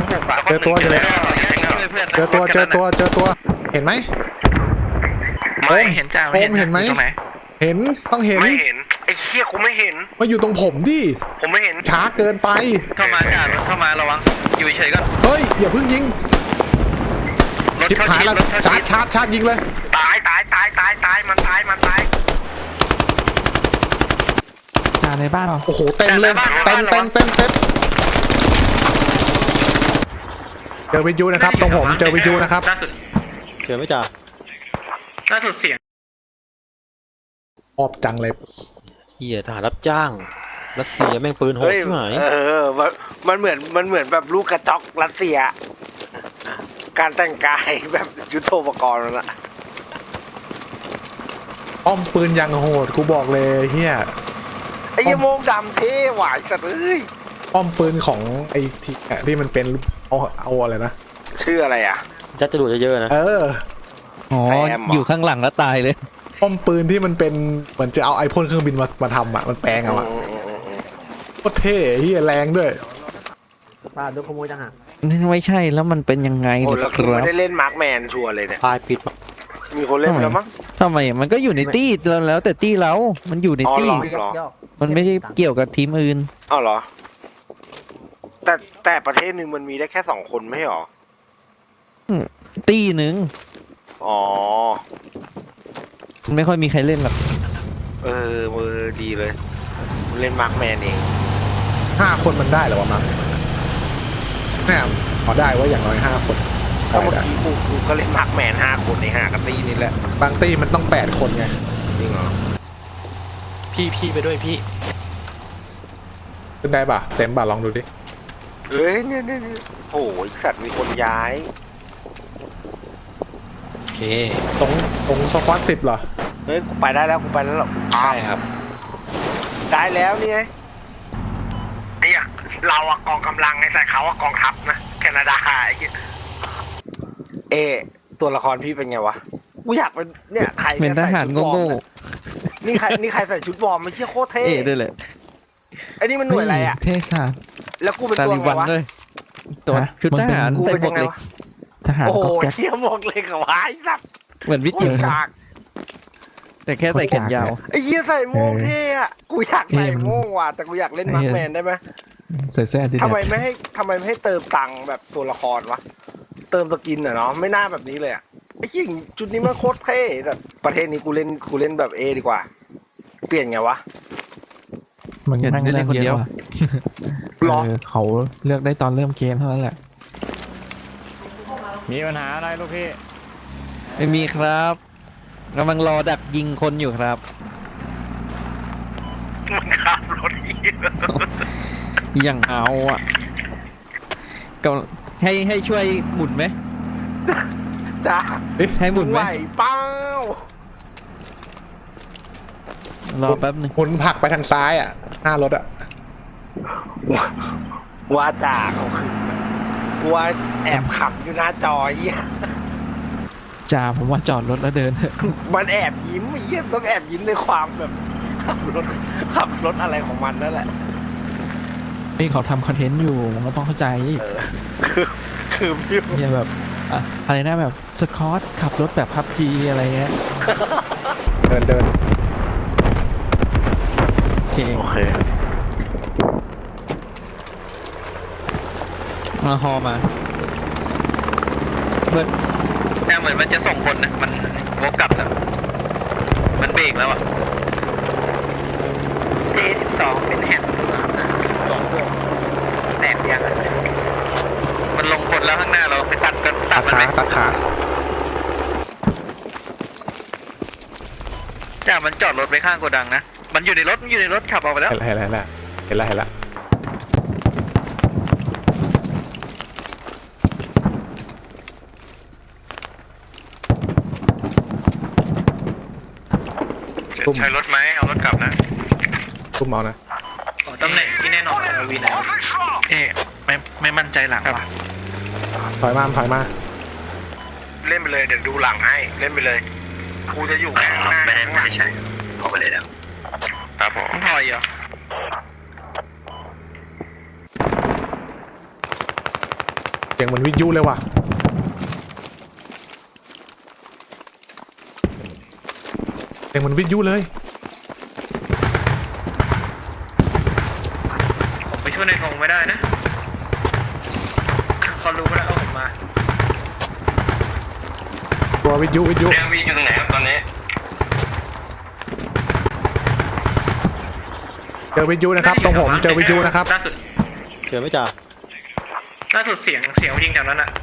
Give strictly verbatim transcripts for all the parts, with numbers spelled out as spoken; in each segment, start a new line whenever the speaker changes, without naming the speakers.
หกอะ
เจอตัวเจอเลยเจอตัวเจอตัวเจอตัวเห็นไหม
ไม่เห็นจ้า
โอมเห็นไหมเห็นต้องเห็น
ไม่เห็นไอ้เหี้ยกูไม่เห็น
มาอยู่ตรงผมดิ
ผมไม่เห็น
ช้าเกินไป
เข้ามาจ้ารถเข้ามาระวังอยู่เฉยๆก็
เฮ้ยอย่าเพิ่งยิง
รถ
ชิบ
เข้า
หาย
ชิด
แล้ว
รถเข้า
ชา
ชิ
ร์จ
ด
ชาร์จชาร์จยิงเลย
ตายตายตายตายตายมันตายมันตาย
จ่าในบ้านเหรอ
โอ้โหเต็มเลยเต็มเต็มเต็มเต็มเจอวิทยุนะครับตรงผมเจอวิทยุนะครับ
ล่าสุด
เจอไหมจ่า
ล่าสุดเสียง
ออบจังเลย
เหี้ยทหารรับจ้างรัสเซียแม่งปืนโหด
เฮ้ย
ใช่ไหม
เออมันมันเหมือนมันเหมือนแบบลูกกระจอกรัสเซีย การแต่งกายแบบยุทโธปกรณ์นั่นแหละ
อ้อมปืนยังโหดกูบอกเลยเฮีย
ไอ้ยโมงดำเท่หวายสัตว์เอ้ย
อ้อมปืนของไอ้ที่ที่มันเป็นเอาเอาอะไรนะ
ชื่ออะไรอ่ะ
จัดจรวดเยอะๆนะ
เออ
อ๋อ
แซมเหรอ
อยู่ข้างหลังแล้วตายเลย
ป้อมปืนที่มันเป็นเหมือนจะเอาไอพ่นเครื่องบินมามาทำอ่ะมันแปลงเอาอ่ะ
อืมอืมอืมอืม
โคตรเท่เฮียแรงด้วย
ป้าโดนขโมยจังหะ
ไม่ใช่แล้วมันเป็นยังไง
โอ้
เนี่ย
แล้ว
ค
กู
รั
ไม่
บ
ได้เล่นมาร์คแมนชัวร์เลยเนี่ย
พายปิดปะ
มีคนเล่นไปแล้วมั้ง
ทำไมมันก็อยู่ในตี้แล้วแล้วแต่ตี้เรามันอยู่ใน
อ๋อ
ตี้
เหรอ
ยอกยอก
มันไม่ได้เกี่ยวกับทีมอื่น
อ้าวเหรอ แต่แต่ประเทศหนึ่งมันมีได้แค่สองคนไม่ใช่หรอ
ตี้หนึ่ง
อ๋อ
มันไม่ค่อยมีใครเล่นหรอก
เออมือดีเลย เล่นมาร์คแมนเอง
ห้าคนมันได้เหรอวะมั้งแน่พอได้ว่าอย่างน้อยห้าคน
ก็
ได้
เมื่อ
ได้
กี้กูกูก็เล่นมาร์คแมนห้าคนในห้ากระตีนี่แหละ
บางตี้มันต้องแปดคนไง
จริงเหรอ
พี่พี่ไปด้วยพี่
ขึ้นได้ป่ะเต็มป่ะลองดูดิ
เฮ้ยเนี่ยเนี่ยเนี่ยโอ้ยสัตว์มีคนย้าย
โอเค
ตรงตรงสควอตสิบเหรอ
เฮ้ยกูไปได้แล้วกูไปแล้วหรอ
ใช่ครับ
ได้แล้วนี่ไงเนี่ยเราอะกองกำลังไงแต่เขาอะกองทัพนะแคนาดาไอ้เหี้ยเอะตัวละครพี่เป็นไงวะกูอยากเป็นเนี่ยใคร
เป็นทหาร
ใส่ชุดวอ
โง่
ร์มเนี่ยนี่ใครนี่ใครใส่ชุดวอร์มไม่เชี่ยโคตร
ๆ
เท่
เอ๋ด้วยแหละ
ไอ้นี่มันหน่วยอะไรอะ
เทศา
แล้วกูเป็น
ตา
ตัว
ลิ
ไง
บัน
วะ
ด้วยตัวชุดทหาร
กู
ใส่
เป็น
หม
ยั
วก
งไง
เหล็ก
วะ
ทหาร
โอ้โห
ก็แก๊ป
เชี่ยหมวกเลยกับวายสัตว์
เหมือนวิท
โค
ยุ
ตรกาก
แต่แค่ใส่แขนยาว
ไอ้เหี้ยใส่โม่งเท่อะกูอยากใส่โม่งว่ะแต่กูอยากเล่นมาร์คแมนได้ไหม
ใส่เสื้อดิ
ทำไมไม่ให้ทำไมไม่ให้เติมตังค์แบบตัวละครวะเติมสกินอะเนาะไม่น่าแบบนี้เลยอะไอ้เหี้ยจุดนี้มันโคตรเท่แต่ประเทศนี้กูเล่นกูเล่นแบบเอดีกว่า เปลี่ยนไงวะ
มัน
เห็น
นั่ง
ได้เล่
เล่
น
น
คน
เย
เดียว
อะ
หรอ
เออเขาเลือกได้ตอนเริ่มเกมเท่านั้นแหละ
มีปัญหาอะไรลูกพี่
ไม่มีครับกำลังรอดักยิงคนอยู่ครับ
มันขับรถเหี้ย
อย่างเอาอ่ะก็ให้ให้ช่วยหมุนไหม
จ้า
ให้หมุน
ไห
ไห
ว
ม
เป้าร
อแป๊บหนึ่ง
หมุนผลักไปทางซ้ายอ่ะหน้ารถอ่ะ
ว่าจ่าเขาคือว่าแอบขับอยู่หน้าจอเหี้ย
จ่าผมว่าจอดรถแล้วเดินเถอะ
มันแอบยิ้มไอ้เหี้ยต้องแอบยิ้มในความแบบขับรถขับรถอะไรของมันนั่นแหละ
นี่เขาทำคอนเทนต์อยู่มันก็ต้องเข้าใจ
เออคือคือพี่
เนี่ยแบบอะอะไรนะแบบสกอตขับรถแบบพับจีอะไรเงี้ย
เดินเดิน
โอเค
โอเค
มาฮอมาเบิร์ด
เนี่ยเหมือนมันจะส่งคนนะมันวกกลับแล้วมันเบรกแล้วอ่ะ เจ สิบสอง เป็นแฮนด์ครับนะสองพวกแตกยังอะมันลงคนแล้วข้างหน้าเราไปตัดกันตั
ตั
ด
ด
มัน
ขา
ไหม
ตัดขา
จ้ามันจอดรถไปข้างโกดังนะมันอยู่ในรถมันอยู่ในรถขับออกไปแล้ว
เห็นแล้วเห็นแล้วเห็นแล้วเห็นแล้ว
ใช้รถไหมเอารถกลับนะ
ตุ้มเอานะ
ตำแหน่งที่แน่นอนของวีนะเอ๊ะไม่ไม่มั่นใจหลังว่ะ
ถอยมาถอยมา
เล่นไปเลยเดี๋ยวดูหลังให้เล่นไปเลยกูจะอยู่แค่ข้างหน้า
ไม่ได้
ข้างห
ไม่
ลัง
ได้ใช่ออกไปเลยแล้ว
ครับผม
พอยเหรอ
เสียงเหมือนวิทยุเลยว่ะเสียงเหมือนวิทยุเลย
ผมไปช่วยในธงไม่ได้นะเขารู้แล้วเอาผมมา
ตัววิทยุวิทยุ
เรียงวีอยู่ตรงไหนครับตอนนี้
เจอวิทยุนะครับตรงผมเจอวิทยุนะครับ
ล่าสุด
เจอไหมจ่า
ล่าสุดเสียงเสียงยิงแถวนั้นอะ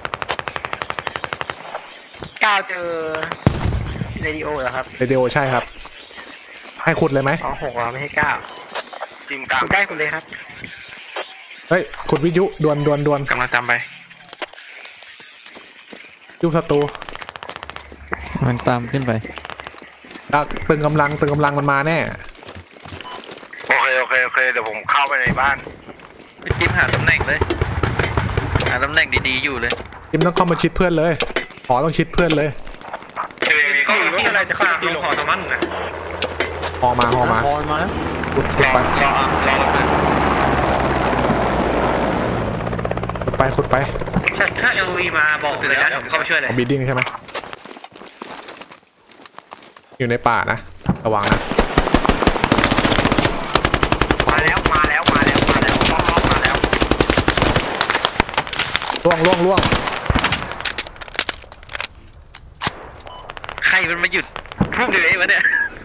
ก้าวเจอเรดิโอเหรอครับ
เรดิโอใช่ครับให้ขุดเลยไหม
อ๋อหกเหรอไม่ใช่เก้า
จิมกลาง
คุณได้คุณเลยครับ
เฮ้ยขุดวิทยุดวนดวนดวน
กำลังตามไป
ยุบศัตรู
มันตามขึ้นไป
อ่ะตึงกำลังตึงกำลังมันมาแน่
โอเคโอเคโอเคเดี๋ยวผมเข้าไปในบ้าน
ไปจิ้มหาตำแหน่งเลยหาตำแหน่งดีๆอยู่เลย
จิมต้องเข้ามาชิดเพื่อนเลยหอต้องชิดเพื่อนเลย
เจอมี
เขาอยู่ที่อะไรจะเข้าตีลงหอตะมันนะ
หอมาหอมา
พอมาแล้ว
ขุดขุดไป
รอรอระเบิด
ขุดไปขุดไป
ถ้าถ้าเอลวีมาบอกเลยนะผมเข้าไปช่วยเลย
บีดิ้งใช่ไหมอยู่ในป่านะระวังนะ
มาแล้วมาแล้วมาแล้วมาแล้วมาแล้วมาแล้ว
ล่วงล่วงล่วง
ใครมันมาหยุดพุ่งเลยวะเนี่ย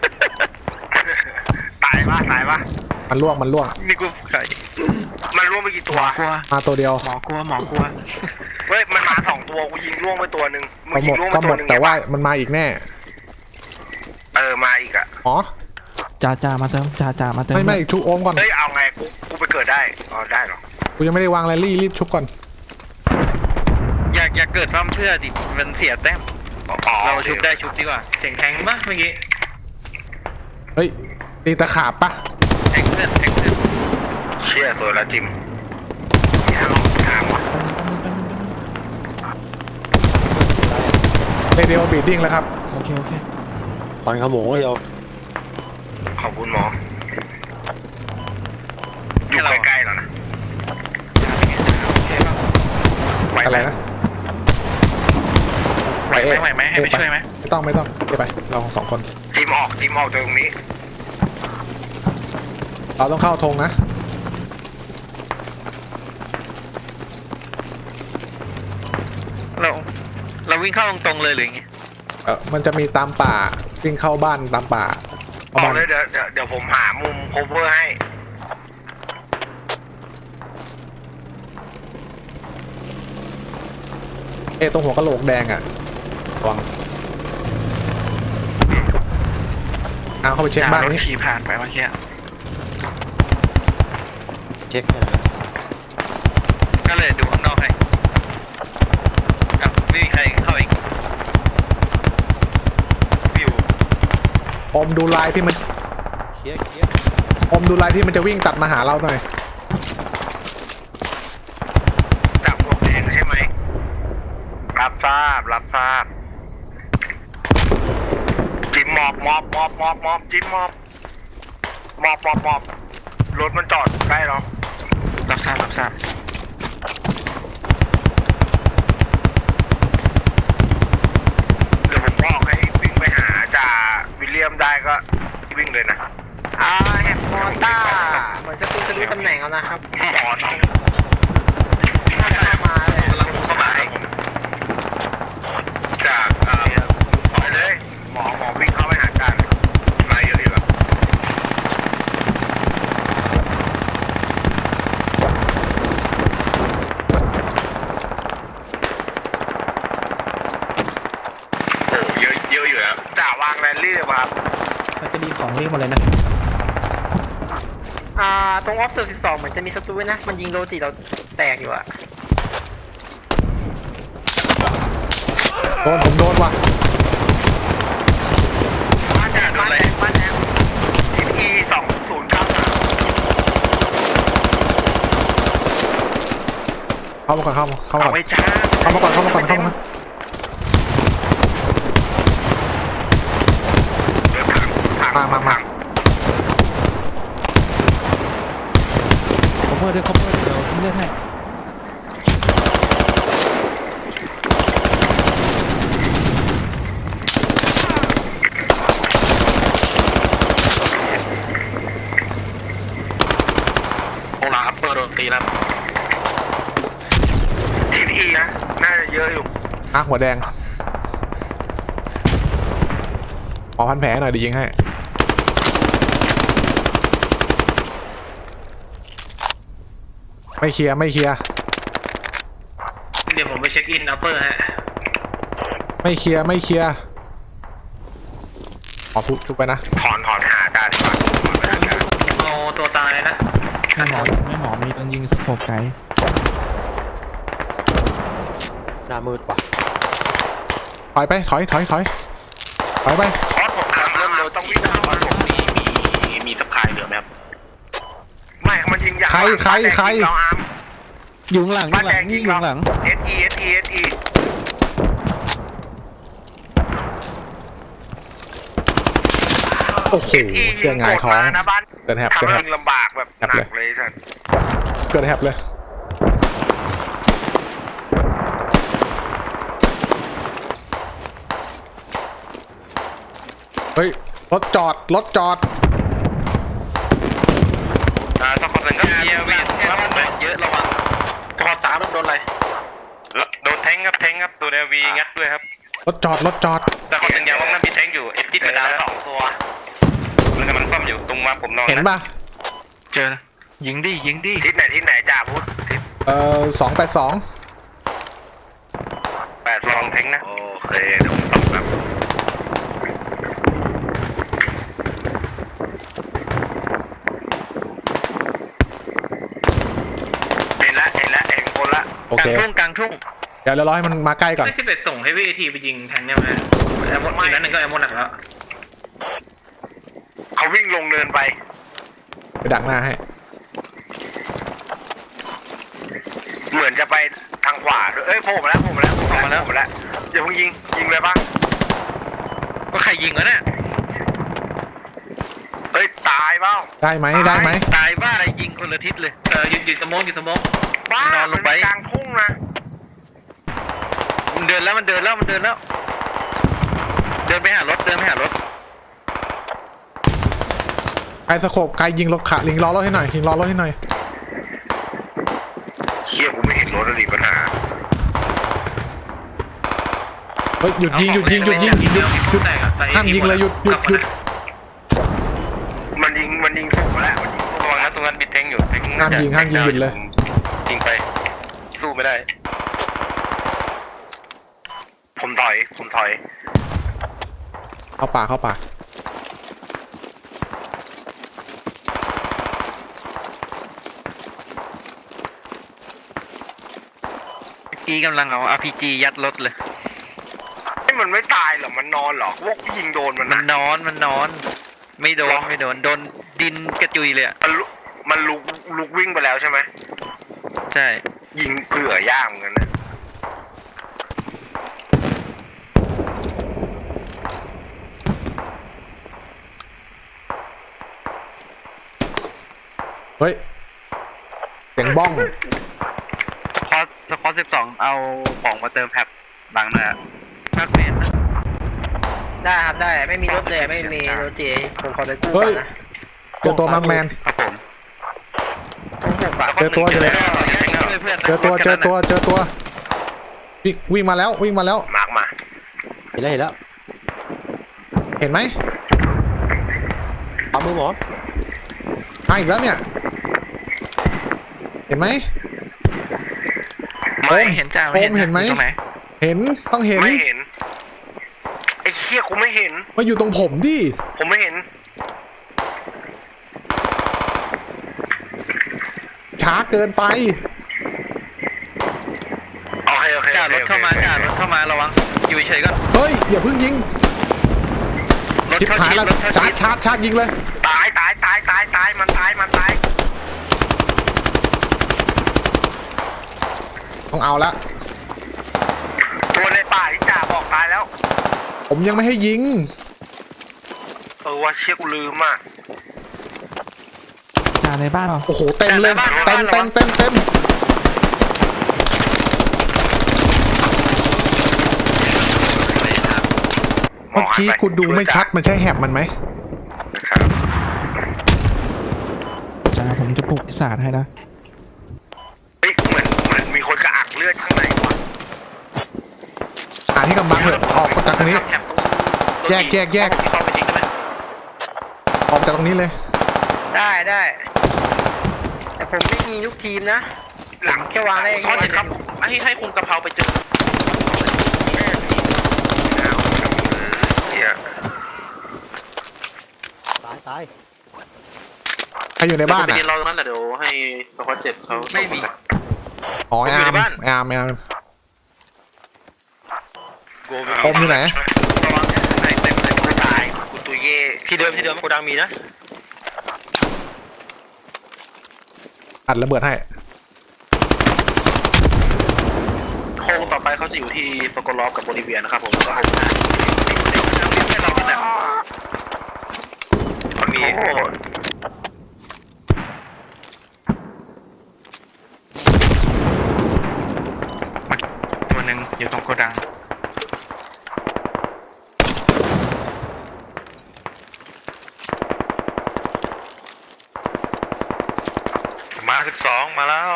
ตายปะตายปะ
มันล่วงมันล่วง
นี่กูใคร
มันร่วงไปกี่ตัว
กลัว
มาตัวเดียว
หมอกลัวหมอกลัว
เฮ้ยมันมาสองตัวกูยิงร่วงไปตัวหนึ่งมึ
ก็
ง
หม
ยิง
ด
ร่วงไป
ก็ห
ตั
ม
ว
ด
หนึ่ง
แต่ว่า
เห็นปะ
มันมาอีกแน่
เออมาอีกอะ
อ๋อ
จ่าจ่ามาเติมจ่าจ่ามาเติม
ไม่ไม่ชุบโอมก่อน
เฮ้ยเอาไงกูกูไปเกิดได้อ๋อได้เหรอ
กูยังไม่ได้วางแรลลี่รีบชุบก่อน
อยากอยากเกิดร่ำเพื่อดิมันเสียแต้ม
อ๋อ
เราชุบได้ชุบดีกว่าเสียงแทงปะเมื่อกี้
เฮ้ยตีตะขาบปะ
แทงเพื่อนแทงเพื่อน
เชี่ยสวยแล้วจิมนี่ลองถามวะ
เรดิโอบีดิ้งแล้วครับ
โอเคโอเค
ตอนขโมงเดียว
ขอบคุณหมออยู่ใกล้ๆแล้วนะ
ไหว
อะไร
ไหม
นะ
ไหวไหมไหวไหมให้ไปช่วยไหม
ไม่ต้องไม่ต้องไปไปเราสองคน
จิมออกจิมออกจากตรงนี้
เราต้องเข้าธงนะ
เราเราวิ่งเข้าตรงๆเลยหรือไง
เออมันจะมีตามป่าวิ่งเข้าบ้านตามป่า
บ
เอา
อก
บ้าน
เลยเดี๋ยวเดี๋ยวเดี๋ยวผมหามุม cover ให้
เอะตรงหัวกะโหลกแดงอ่ะระวังเอาเข้าไปเช็คบ้านนี้
ขี่ผ่านไปเมื่อกี้
เช็คให้หน่อย
ก็เลยดูข้างนอกให้อ้าวไม่มีใครเข้าอีกวิว
อมดูลายที่มัน
เคลียร์เคลียร์
อมดูลายที่มันจะวิ่งตัดมาหาเราหน่อย
จากพวกแดงใช่ไหมรับทราบรับทราบจิมมอบมอบมอบมอบมอบจิมมอบมอบมอบมอบรถมันจอดใกล้เรา
รับทราบรับทราบ
เดี๋ยวผมบอกให้วิ่งไปหาจ่าวิลเลียมได้ก็วิ่งเลยนะ
อ่าแฮปมอต้าเหมือนจะคุณจะรู้ตำแหน่งแล้วนะครับ
หมอต้อง
น่าจะมาเลย
กำลังเข้ามาจากอ่าสอยเลยหมอหมอวิ่งเข้าไปหาจ่ามาเยอะอยู่แบบโอ้เยอะเยอะอยู่แล้วจ่าวางแรลลี่เลยป่ะครับ
มันจะมีของเรียกมาเลยนะ
อ่าตรงออฟเซอร์สิบสองเหมือนจะมีศัตรูนะมันยิงโรจิเราแตกอยู่อะ
โดนผมโดนว่ะ
บ้านแดงบ้านแดงบ้านแดง
ทีพีสองศูนย์เก้าสาม
เข้ามาก่อนเข้ามาเข้ามา
เอา
ก่อน
ไว้จ้า
เข้ามาก่อนเข้ามาก่อนเข้ามา
เดี๋ยวถังถัง
มามามา
ถัง
cover ด้วย cover ด้วยเดี๋ยวผมเลือกให้
นะน่าจะเยอะอยู่
อ่ะหัวแดงขอพันแผลหน่อยเดี๋ยวยิงให้ไม่เคลียร์ไม่เคลียร์
เดี๋ยวผมไปเช็คอินอัปเปอร์ฮะ
ไม่เคลียร์ไม่เคลียร์ขอทุบทุบไปนะ
ถอนถอนหาได้ดีกว่าถอนไปหาได้
เอาตัวตายนะ
ไม่หมอไม่หมอมีต้องยิงสโคปไกล
หน้ามืดว่ะ
ถอยไปถอยถอยถอยถอยไป
เพราะผมทำเริ่มเร็วต้องวิ่งเข้าเพราะผมมีมีมีสปายเหลือไหมครับไม่มันยิงยาง
ใครใครใคร
เราอาร์ม
อยู่ข้างหลังอยู่ข้างหลังนี่อยู่ข้างหลัง
เอสอีเอสอีเอสอี
โอ้โหเสียงหงายท้อง
นะบ้าน
เกิดแฮป
ทำ
เกิด
ให้
แฮป
ยิงลำบากแบบห
แฮป
นั
เลย
กเลยท่าน
เกิดแฮปเลยเฮ้ยรถจอดรถจอด
อ่าสักคนหนึ่งก็เยียวีว่ามันเยอะระวังกระสามโดนอะไรโดนแทงครับแทงครับโดนเอวีงัดด้วยครับ
รถจอดรถจอด
สักคนหนึ่งยังว่ามันมีแทงอยู่เอ็ดจิต
เจ
ไป
อ
ดาว
แล้ว
แล้ว
สองตัว
มันกำลังซ่อมอยู่ตรงว่าผมนอน
เห็นป่ะ
เจอยิงดิยิงดิ
ทิศไหนทิศไหนจ่าพุทธทิศ
เอ่อสองแปดสอง
แปด
ลองแทงนะ
โอเคเดี๋ยวผมส่องแบบเห็นละเห็นละเห็นคนละ
โอก
ลา
เค
งทุ่งกลางทุ่ง
เดี๋ยวเรารอให้มันมาใกล้ก่อน
ไม่สิบเอ็ดส่งให้วีทีไปยิงแทงเนี่ยไหมแอมโมอีกนั้นหนึ่งก็แอมโมหนักแล้ว
เขาวิ่งลงเนินไป
ไปดักหน้าให้
เหมือนจะไปทางขวาด้วยเอ้ยโผล่มาแล้วโผล่มาแล้วโผล่มาแล้วโผล่มาแล้วอย่าเพิ่งยิงยิงเลยปะ
ก็ใครยิงวะเนี่ย
เฮ้ยตายเปล่า
ได้ไหมได้ไหม
ตายบ้าอะไรยิงคนละทิศเลยเออหยุดหยุดสมองหยุดสมอง
บ้าน
อนล
มัน
งไป
กลางทุ่งนะ
มันเดินแล้วมันเดินแล้วมันเดินแล้ว เดินไปหารถเดินไปหารถ
ไอ้สโคปไกลยิงรถขาลิงล้อรถให้หน่อยยิงล้อรถให้หน่อย
เชี่ยกูไม่เห็นรถอะไรปัญหา
เฮ้ยหยุดยิงหยุดยิงหยุดยิงหยุดหยุดหยุดห้ามยิงเลยหยุดหยุดหยุด
มันยิงมันยิงถูกมาแล้วมันยิงถูก
ระวังนะตรงนั้นมีแทงอยู่แทง
ห้ามยิงห้ามยิงหยุดเลย
ยิงไป สู้ไม่ได้
ผมถอยผมถอย
เข้าป่าเข้าป่า
เมื่อกี้กำลังเอา อาร์ พี จี ยัดรถเลย
ไอ้มันไม่ตายเหรอมันนอนเหรอพวกยิงโดนมัน
มัน
นะ
นอนมันนอน ไม่โดนไม่โดนโดนดินกระจุยเลยอะ
มันลุมันลุกลุกวิ่งไปแล้วใช่ไหม
ใช่
ยิงเผื่อย่างเหมือนกันนะ
เฮ้ยเสียงบ้อง
สควอตสควอตสิบสองเอาของมาเติมแพ็คบางนาภาคเมนนะ
ได้ครับได้ไม่มีรถเลยไม่มีรถเจผมขอไปกู้
เฮ้
ก่
ย
อนนะ
เจอตัวมังแมน
ครับผม
ต้องหกบาท
เจอตัวเจอตัวเจอตัวเจอตัวเจอตัววิ่งวิ่งมาแล้ววิ่งมาแล้ว
มาร์กมา
เห็นแล้วเห็นแล้ว
เห็นไหม
เอามือหมอ
มาอีกแล้วเนี่ย เห็นไหม
ไม่เห็นจ้า
โอมเห็นไหม
อยู่ตรงน
เห็นต้องเห็น
ไม่เห็นไอ้เชี่ยกูไม่เห็น
มาอยู่ตรงผมดิ
ผมไม่เห็น
ช้าเกินไป
โอเคโอเค
จ้ารถเข้ามาจ้ารถเข้ามาระวังอยู่เฉยๆก่อน
เฮ้ยอย่าเพิ่งยิง
รถ
ชิบ
เข้า
หาย
ชิด
แล้ว
รถเข้า
ชา
ชิ
ร์จ
ด
ชาร์จชาร์จยิงเลย
ตายตายตายตายตายมันตายมันตาย
ต้องเอาละ
ตัวในป่าที่จ่าบอกตายแล้ว
ผมยังไม่ให้ยิง
เออว่าเชี่ยกูลืมอ่ะ
จ่าในบ้านเหรอ
โอ้โหเต็มเลยเต็มเต็มเต็มเต็มเมื่อกี้กูดูไม่ชัดมันใช่แหบมันไหม
ครับ
จ่าผมจะปลุกปีศาจให้นะ
เฮ้ยเหมือนเหมือนมีคนกระอักเลือดข้างในว่ะ
าที่กำบังเถอะออกจากตรงนี้
แถบตรง
แยกแยกแยก
เข้าไปจริงได้ไหม
ออกจากตรงนี้เลย
ได้ได้แต่ผมไม่มีลูกทีมนะ
หลัง
แค่วางได้
ซ้อนเจ็ดครับให้ให้คุณกะเพราไปเจอเนี่ย
ตายตาย
ใครอยู่ในบ้าน
ไป
อ่ะ
เรียนรอตรงนั้นแหละเดี๋ยวให้สควอตเจ็ดเขาไม่มี
อ๋อไอ
อยู่
อาร์
ใน
ม
บ้าน
ไออาร์มไออาร์ม
โก
อมอยู่ไหน
ระวังไหนเต็มเลยกูตายกูตุยเย่
ที่เดิมที่เดิมโกดังมีนะ
อัดระเบิดให้
โค้งต่อไปเขาจะอยู่ที่สกอลอฟกับโบลิเวียนะครับผมก็ให้เราเนี่ยมันมีตัวหนึ่งอยู่ตรงโกดังมาสิบสองมาแล้ว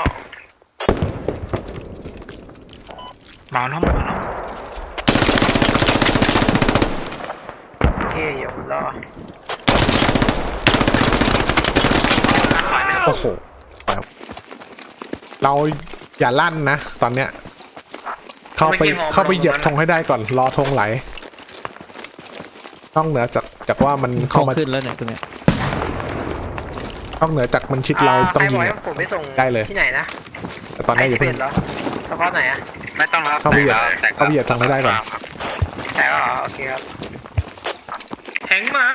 มาแล้วมาแล้ว
โอเคเดี๋ยวรอ
โอ้โหแบบเราอย่าลั่นนะตอนเนี้ย เข้าไปเข้าไปเหยียบธงให้ได้ก่อนรอธงไหลนอกเหนือจากจากว่ามัน
เข้า
เข้ามา
ขึ้นแล้วเนี่ยตรงเนี้ย
นอกเหนือจากมันชิดเราต้องยิง
ใครบก
อะ
ให้ผมไปส่ง
ได้เลย
ที่ไหนนะ
แต่ตอนนี้อย่า
ไอ
เพิ่
สิ
ง
บเอ็ดเหรอเฉพาะไหนอะ
ไม่ต้องรับ
เข้าไปเหยียบเข้าไปเหยียบธงให้ได้ก่อน
แต่ก็เหรอโอเคครับ
แหงมา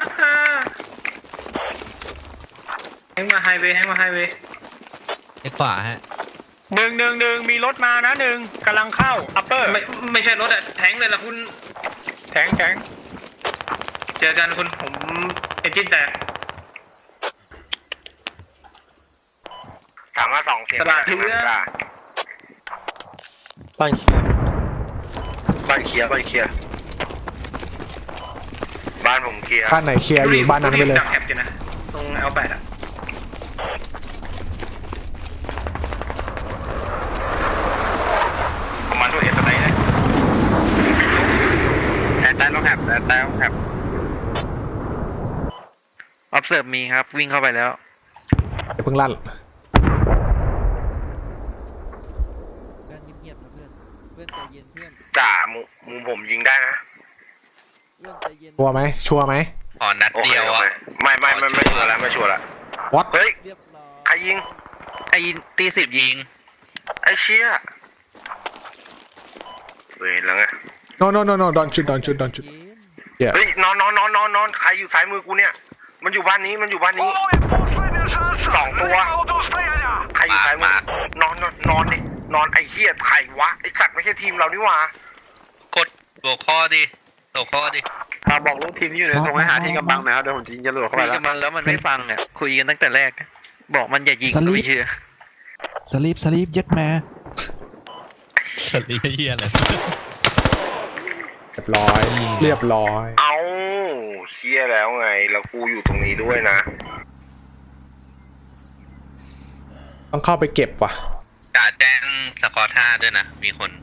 แหงมาไฮเวย์แหงมาไฮเวย์
ไอ้ขวาฮะ
หนึ่งหนึ่งหนึ่งมีรถมานะหนึ่งกำลังเข้าอัปเปอร์ไม่ไม่ใช่รถอะแทงเลยล่ะคุณแทงแทงเจอกันคุณผมเอนจินแตก
ถามว่าสองเสียง
ตลาดเรือ
บ้านเขียว
บ้านเคลียร์บ้านเคลียร์บ้านผมเคลียร์
บ้านไหนเคลียร์อยู่บ้านนั้นไปเลย
จับแถบอยู่นะตรงเอลแปดอะประมาณด้วยเอสไนเลยแอดใต้ลงแถบแอดใต้ลงแถบ observe มีครับวิ่งเข้าไปแล้ว
เดี๋ยวเพิ่งลั่น
เพื่อนเงียบๆนะเพื่อนเพื่อนใจเย็นเพื่อน
จ่ามุมุมผมยิงได้นะ
เพื่อนใจเย็น
ชัวร์ไหมชัวร์ไหม
อ๋อนัด
โอเค
เดียว
โอ
อะ
เคไม่ไม่ไม่ไม่ชัวร์แล้วไม่ชัวร์แล้ว
วัด
เฮ้ย
เรียบร้อย
ใครยิง
ไอ้ตีสิบยิง
ไอ้เชี่ยเวรแล้วไง
no no no no don't shoot don't shoot don't shoot
เย็น
เฮ้ยนอนนอนนอนนอนนอนใครอยู่ซ้ายมือกูเนี่ย มันอยู่บ้านนี้มันอยู่บ้านนี้สองตัวใครอยู่ซ้ายมือนอนนอนนอนดินอนไอ้เหี้ยใครวะไอ้สัตว์ไม่ใช่ทีมเรานี่หว่าก
ดหัวข้อดิหัวข้อดิบอกลูกทีมที่อยู่ในตรงให้หาที่กำบังหนะครับเดี๋ยวผมจะยิงจรวดเข้าไปแล้วกำบังแล้วมันไม่ฟังเนี่ยคุยกันตั้งแต่แรกบอกมันอย่ายิงไม่เชื่อ
สลีปสลีปยึดมา
สลีเฮียเลย
เรียบร้อยเรียบร้อย
เอาเชี่ยแล้วไงแล้วกูอยู่ตรงนี้ด้วยนะ
ต้องเข้าไปเก็บว่ะ
กาแจ้งสกอร์ท่าด้วยนะมีคน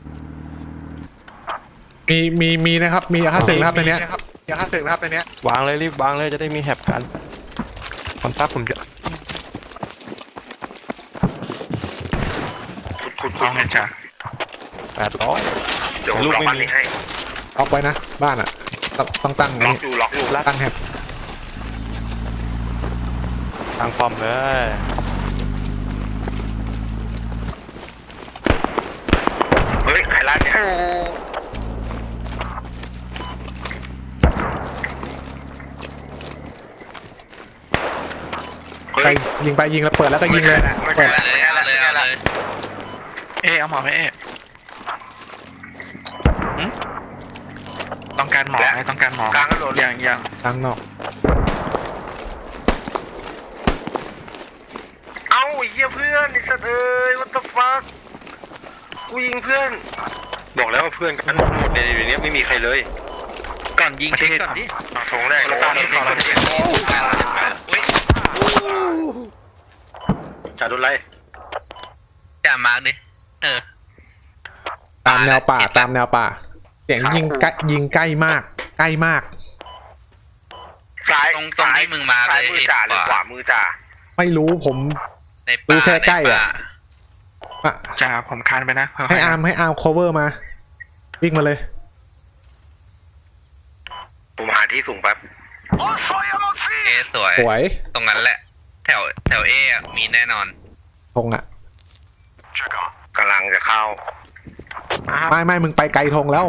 มีมีมีนะครับมียาฆ่าศึกนะครับในเนี้ยยาฆ่าศึกนะครับในเนี้ยว
างเลยรีบวางเลยจะได้มีแฮปกันคอนทับผมจะ
ขุดขุดขุ
เอา
ด
ไงจ้ะ
แปดร้อย
เดี๋ยวผมล็อกบ้านนี้ให้
ล็อกไว้นะบ้านอ่ะต้องต้องตั้ง
ล็อ
นี่
กอยู่ล็อกอยู่
ตั้งแฮป
ทางฟอมเลย
เฮ้ยใครล่าเนี่ยเฮ้
ไป
ย
ยิงไปยิงแล้วเปิดแล้วก็ยิงเลย
ไม่
เปิ
ใช่
ด
ละไม่ใช่ละไม่ใช่ละ
เอ๊เอาหมอไหมเอ๊ต้องการหมอไหมต้องการหมอก
ลางถนน
ยังยัง
ตั้งนอก
เอ้าไอ้เหี้ยเพื่อนไอ้สัตว์เอ้ย what the fuck กูยิงเพื่อน
บอกแล้วว่าเพื่อนกันหมดในนี้ไม่มีใครเลย ก่อนยิงเช็คก่อนดิ
ทงแรก
เราตามที่เราเช็คอุ้ยจ่าโดนไรจ่ามาร์กดิเออ
ตามแนวป่าตามแนวป่าเสียงยิงใกล้ยิงใกล้มาก ใกล้มาก
ซ้าย
ตรงตรงที่มึงมา
ซ้าย
เลย
มือจ่าหรือขวามือจ่า
ไม่รู้ผม
ใน
ดู
ป่า
แค่ใกล้
ใน
อะ
ป่า
อ่ะ
จ่าผมคานไปนะ
ให้อาร์มให้อาร์ม cover มาวิ่งมาเลย
ผมหาที่สูงแป๊บ
เอสวย
สวย
ตรงนั้นแหละ แถวแถวเอะมีแน่นอน
ธงอ่ะ
กำลังจะเข้า
ไม่ไม่มึงไปไกลธงแล้ว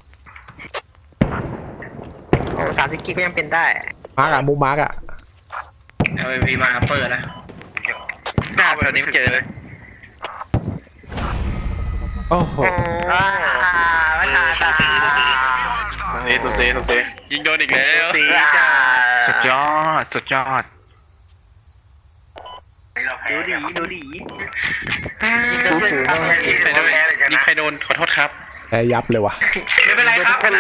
โอ้สามสิบกิกก็ยังเป็นได้
มาร์กอะมุมมาร์กอะ
เอาไปพีมาอัปเปอร์นะ
หน้าแถวนี้เจอเลย
โอ้โห
อ่าไม่ทันอ่ะ
เซสุเซสุเซ
ยิงโดนอีกแล้ว
สีจ้า
สุดยอด สุดยอด
ดูดีดูดี
สูสูยิงใครโดนยิงใครโดนขอโทษครับ
แพ้ยับเลยว่ะ
ไม่เป็นไรครับ